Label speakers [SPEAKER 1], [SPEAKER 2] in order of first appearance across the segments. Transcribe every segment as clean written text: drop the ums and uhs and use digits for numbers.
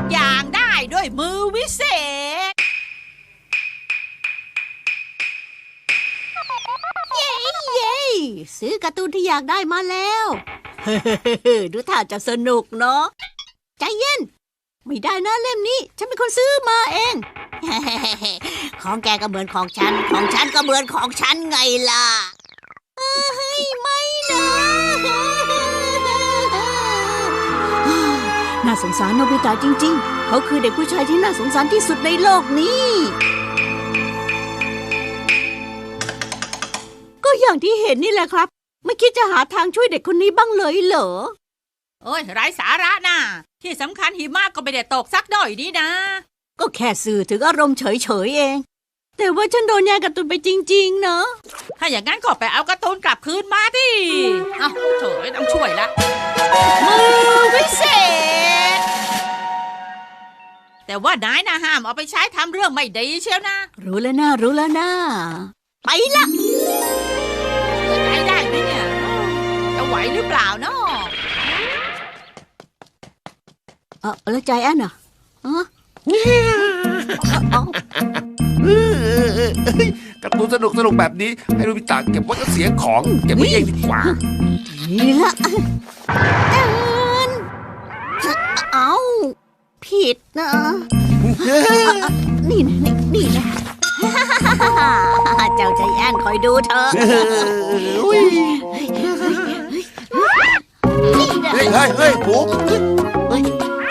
[SPEAKER 1] อย่างได้ด้วยมือวิเศษ
[SPEAKER 2] เย้ซื้อการ์ตูนที่อยากได้มาแล้ว ดูท่าจะสนุกเนาะใจเย็นไม่ได้นะเล่มนี้ฉันเป็นคนซื้อมาเอง ของแกก็เหมือนของฉันของฉันก็เหมือนของฉันไงล่ะไม่นะ น่าสงสารโนบิตะจริงๆเขาคือเด็กผู้ชายที่น่าสงสารที่สุดในโลกนี้ก็อย่างที่เห็นนี่แหละครับไม่คิดจะหาทางช่วยเด็กคนนี้บ้างเลยเหรอ
[SPEAKER 1] โอ้ยไร้สาระน่ะที่สำคัญหิมะก็ไม่ได้ตกสักหน่อยนี่นะ
[SPEAKER 2] ก็แค่สื่อถึงอารมณ์เฉยๆเองแต่ว่าฉันโดนแย่งการ์ตูนไปจริงๆเนอะ
[SPEAKER 1] ถ้าอย่างนั้นก็ไปเอาการ์ตูนกลับคืนมาดิเอ้าเฉยต้องช่วยละมือวิเศษแต่ว่านายนะห้ามเอาไปใช้ทำเรื่องไม่ดีเชียวนะ
[SPEAKER 2] รู้แล้วนะไปละ
[SPEAKER 1] ใจได้ไหมเนี่ยจะไหวหรือเปล่าเนาะ
[SPEAKER 2] แล้วใจแอนน่ะ
[SPEAKER 3] การ์ตูนสนุกแบบนี้ให้โนบิตะเก็บไว้ก็เสียของเก็บไว้เองดีกว่า
[SPEAKER 2] นี่ละเอาผิดนะนี่นะเจ้าใจแอนคอยดูเธอ
[SPEAKER 3] เฮ้ยปุ๊บเฮ้ย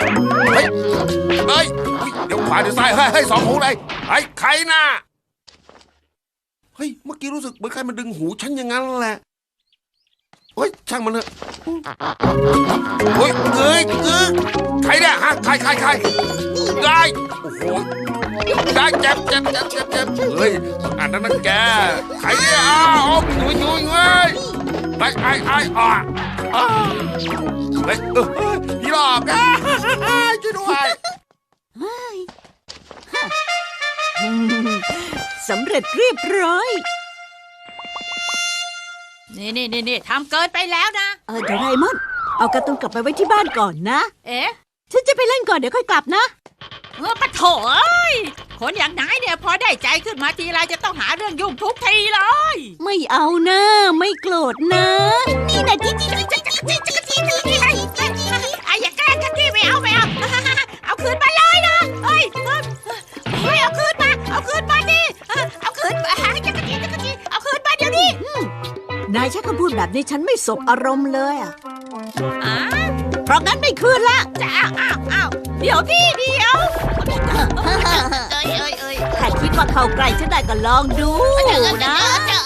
[SPEAKER 3] เดี๋ยวขวาเดี๋ยวซ้ายเฮ้ยสองหูเลยไอ้ใครน่ะเฮ้ยเมื่อกี้รู้สึกเหมือนใครมาดึงหูฉันอย่างนั้นแหละเฮ้ยช่างมันเถอะเฮ้ยใครเนี่ยฮะใครได้โอ้โหได้เจ็บเฮ้ยอันนั้นนะแกใครเนี่ยยุยเฮ้ยไอ้เฮ้ยพี่หลอกช่วยด้วย
[SPEAKER 2] สำเร็จเรียบร้อย
[SPEAKER 1] นี่ทำเกินไปแล้วนะ
[SPEAKER 2] โดราเอมอนเอาการ์ตูนกลับไปไว้ที่บ้านก่อนนะฉันจะไปเล่นก่อนเดี๋ยวค่อยกลับนะ
[SPEAKER 1] ปะโถคนอย่างนายเนี่ยพอได้ใจขึ้นมาทีไรจะต้องหาเรื่องยุ่งทุกทีเลย
[SPEAKER 2] ไม่เอานะไม่โกรธนะนี่นะจิ๊
[SPEAKER 1] อย่าแกล้งกันดิไม่เอาเอาคืนมาเลยนะเฮ้ยเอาคืนมาดิเอาคืนมาจักรจี้เอาคืนมาเดี๋ยวนี้
[SPEAKER 2] นายใช้คำพูดแบบนี้ฉันไม่สบอารมณ์เลยเพราะงั้นไม่คืนละ
[SPEAKER 1] จะอ้าวเดี๋ยว
[SPEAKER 2] ถ้าคิดว่าเข้าใกล้ฉันได้ก็ลองดูนะ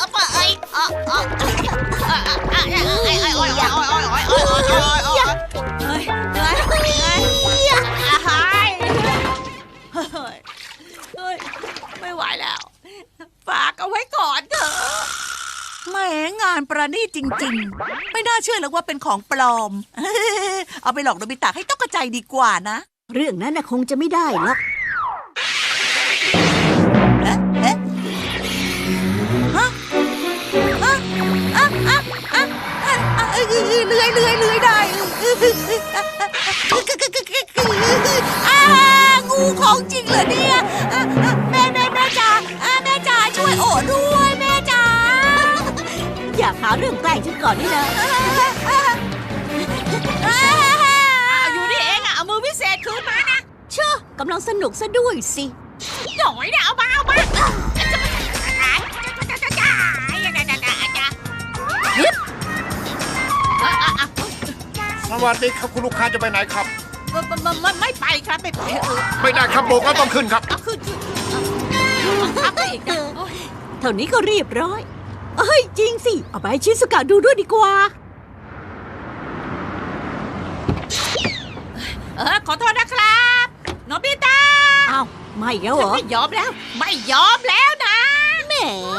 [SPEAKER 1] ไม่ไหวแล้วฝากเอาไว้ก่อนเถอะ
[SPEAKER 4] แหมงานประณีตจริงๆไม่น่าเชื่อเลยว่าเป็นของปลอม เอาไปหลอกโนบิตะให้ตกใจดีกว่านะ
[SPEAKER 2] เรื่องนั้นคงจะไม่ได้หรอก
[SPEAKER 4] เลื่อยได้งูของจริงเหรอเนี่ยแม่จ๋าแม่จ๋าช่วยโอ๋ด้วยแม่จ๋า
[SPEAKER 2] อย่าหาเรื่องแกล้งฉันก่อนนี่นะ
[SPEAKER 1] อยู่นี่เองเอามือวิเศษคืนมานะ
[SPEAKER 2] เชื่อกำลังสนุกซะด้วยสิ
[SPEAKER 1] หน่อยนะเอามา
[SPEAKER 3] สวัสดีครับคุณลูกค้าจะไปไหนครับ
[SPEAKER 1] ไม่ไปครับ
[SPEAKER 3] ไม่ได้ครับโบกแล้วต้องขึ้นครับ
[SPEAKER 1] ขึ้นอีก
[SPEAKER 2] เท่านี้ก็เรียบร้อยจริงสิเอาไปให้ชิซุกะดูด้วยดีกว่า
[SPEAKER 1] ขอโทษนะครับโนบิตะ
[SPEAKER 2] อ้าวไม่แล้วเหรอ
[SPEAKER 1] ไม่ยอมแล้วนะ
[SPEAKER 2] แหม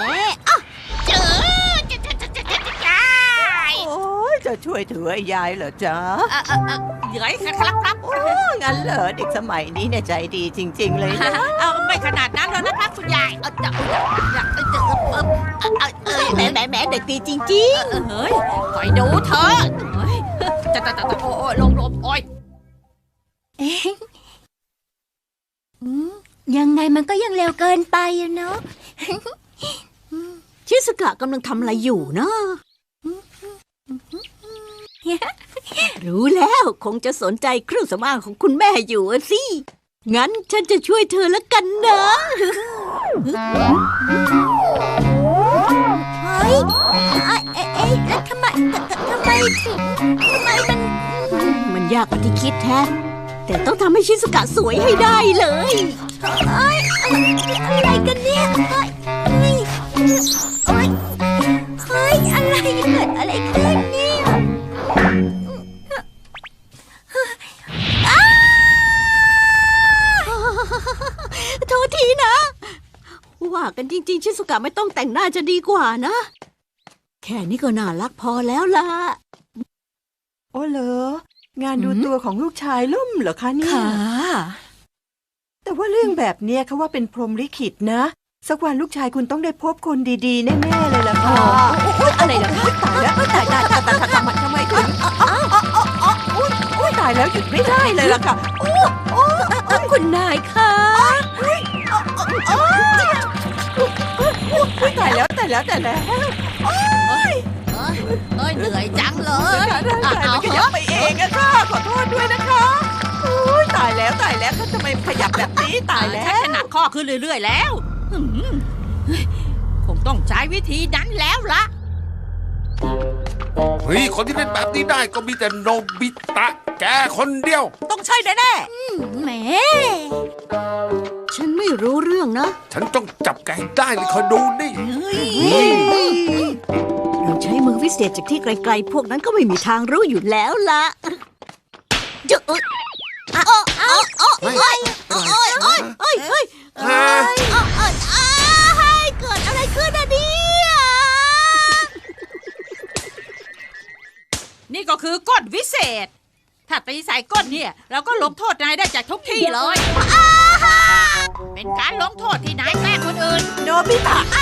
[SPEAKER 4] จะช่วยถือไอ้ยายเหรอจ๊ะ
[SPEAKER 1] เหนื่อยครับ
[SPEAKER 4] งั้นเหรอเด็กสมัยนี้เนี่ยใจดีจริงๆเลยนะ
[SPEAKER 1] ไม่ขนาดนั้นแล้วนะครับคุณยาย
[SPEAKER 2] แหมเด็กดีจริง
[SPEAKER 1] ๆเฮ้ยคอยดูเถอะจะโอ้ยลมโอ้ยยังไงมันก็ยังเร็วเกินไปอะเนาะ
[SPEAKER 2] ชิสกะกำลังทำอะไรอยู่นะ รู้แล้วคงจะสนใจเครื่องสำอางของคุณแม่อยู่อะสิ งั้นฉันจะช่วยเธอละกันนะ
[SPEAKER 1] เฮ้ยแล้วทำไมถึงทำไม
[SPEAKER 2] มันยากกว่าที่คิดแท้แต่ต้องทำให้ชิสกะสวยให้ได้เลย
[SPEAKER 1] อะไรกันเนี่ยเฮ้ยอะไรเกิดอะไรขึ้นเนี่ย
[SPEAKER 2] โทษทีนะ ว่ากันจริงๆ ชิสกะไม่ต้องแต่งหน้าจะดีกว่านะ แค่นี้ก็น่ารักพอแล้วล่ะ
[SPEAKER 5] โอ้เหรองานดูตัวของลูกชายล่มเหรอคะเนี่ย
[SPEAKER 4] ค่ะ
[SPEAKER 5] แต่ว่าเรื่องแบบเนี้ยเขาว่าเป็นพรหมลิขิตนะ สักวันลูกชายคุณต้องได้พบคนดีๆ แน่ๆเลยล่ะค่ะ
[SPEAKER 4] อะไรล่ะคะ
[SPEAKER 5] ตายแล้วตายทำไมถึงตายแล้วหยุดไม่ได้เลยล่ะค่ะ
[SPEAKER 4] คุณนายคะ
[SPEAKER 5] ตายแล้ว
[SPEAKER 1] เอ้ยเหนื่อยจังเลย
[SPEAKER 5] มันขยับไปเองอะค่ะขอโทษด้วยนะคะตายแล้วเขาทำไมขยับแบบนี้ตายแล้
[SPEAKER 1] ชัก
[SPEAKER 5] ว
[SPEAKER 1] จะหนักข้อขึ้นเรื่อยๆแล้วคงต้องใช้วิธีนั้นแล้วล่ะ
[SPEAKER 3] เฮ้ย คนที่เป็นแบบนี้ได้ก็มีแต่โนบิตะ แกคนเดียว
[SPEAKER 4] ต้องใช่แน่
[SPEAKER 1] แหม
[SPEAKER 2] ฉันไม่รู้เรื่องนะ
[SPEAKER 3] ฉันต้องจับแกให้ได้เลยคอยดูดิ
[SPEAKER 2] เราใช้มือวิเศษจากที่ไกลๆ พวกนั้นก็ไม่มีทางรู้อยู่แล้วล่ะเจ้าเอ้ย เกิดอะไรขึ้นอะเนี่ย
[SPEAKER 1] นี่ก็คือก้นวิเศษ ถ้าตีใส่ก้นเนี่ย เราก็ลงโทษนายได้จากทุกที่เลย เป็นการลงโทษที่นายแกล้งคนอื่น
[SPEAKER 4] ๆโนบิตะ